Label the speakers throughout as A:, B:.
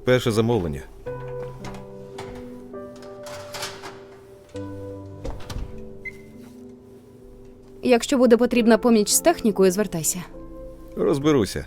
A: Перше замовлення.
B: Якщо буде потрібна поміч з технікою, звертайся.
A: Розберуся.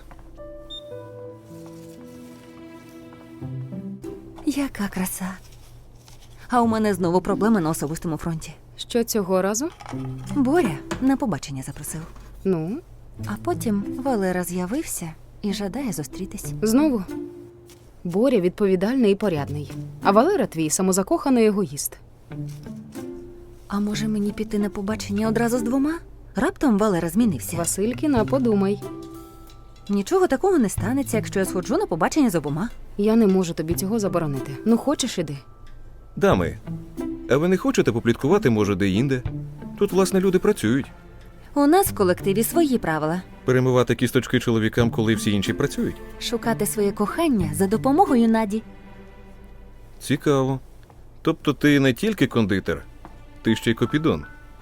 C: Яка краса. А у мене знову проблеми на особистому фронті.
B: Що цього разу?
C: Боря на побачення запросив.
B: Ну,
C: А потім Валера з'явився і жадає зустрітись.
B: знову. Боря відповідальний і порядний. А Валера твій самозакоханий егоїст.
C: А може мені піти на побачення одразу з двома? Раптом Валера змінився.
B: Василькіна, подумай.
C: Нічого такого не станеться, якщо я сходжу на побачення з обома.
B: Я не можу тобі цього заборонити. Ну, хочеш, іди.
A: Дами, а ви не хочете попліткувати, може, де-інде? Тут, власне, люди працюють.
C: У нас в колективі свої правила.
A: Перемивати кісточки чоловікам, коли всі інші працюють?
C: Шукати своє кохання за допомогою Наді.
A: Цікаво. Тобто ти не тільки кондитер, ти ще й копідон.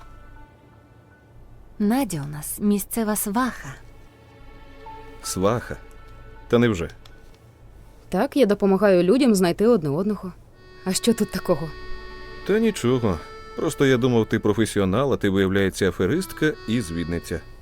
C: Надя у нас місцева сваха.
A: Сваха. Та невже?
B: Так, я допомагаю людям знайти одне одного. А що тут такого?
A: Та нічого. Просто я думав, ти професіонал, а ти, виявляється, аферистка і звідниця.